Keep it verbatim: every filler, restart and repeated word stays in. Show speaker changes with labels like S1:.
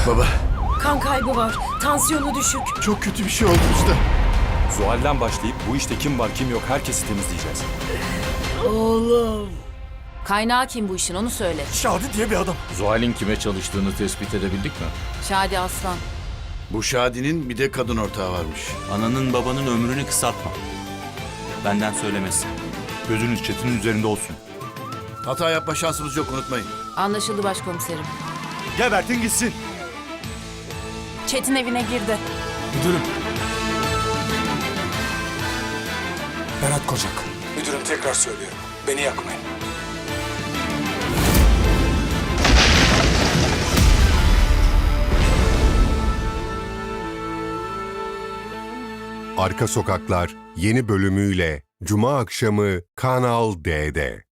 S1: Baba,
S2: Kan kaybı var. Tansiyonu düşük.
S1: çok kötü bir şey oldu usta.
S3: Zuhal'den başlayıp bu işte kim var kim yok herkesi temizleyeceğiz.
S4: Kaynağı kim bu işin onu söyle.
S1: Şadi diye bir adam.
S5: Zuhal'in kime çalıştığını tespit edebildik mi?
S4: Şadi Aslan.
S1: Bu Şadi'nin bir de kadın ortağı varmış.
S6: Ananın babanın ömrünü kısaltma. Benden söylemesin.
S5: Gözünüz Çetin'in üzerinde olsun.
S1: Hata yapma şansımız yok, unutmayın.
S4: Anlaşıldı başkomiserim.
S6: Gebertin gitsin.
S4: Çetin evine girdi.
S7: Müdürüm. Berat Kocak. Müdürüm tekrar söylüyorum. Beni yakmayın.
S8: Arka Sokaklar yeni bölümüyle Cuma akşamı Kanal D'de.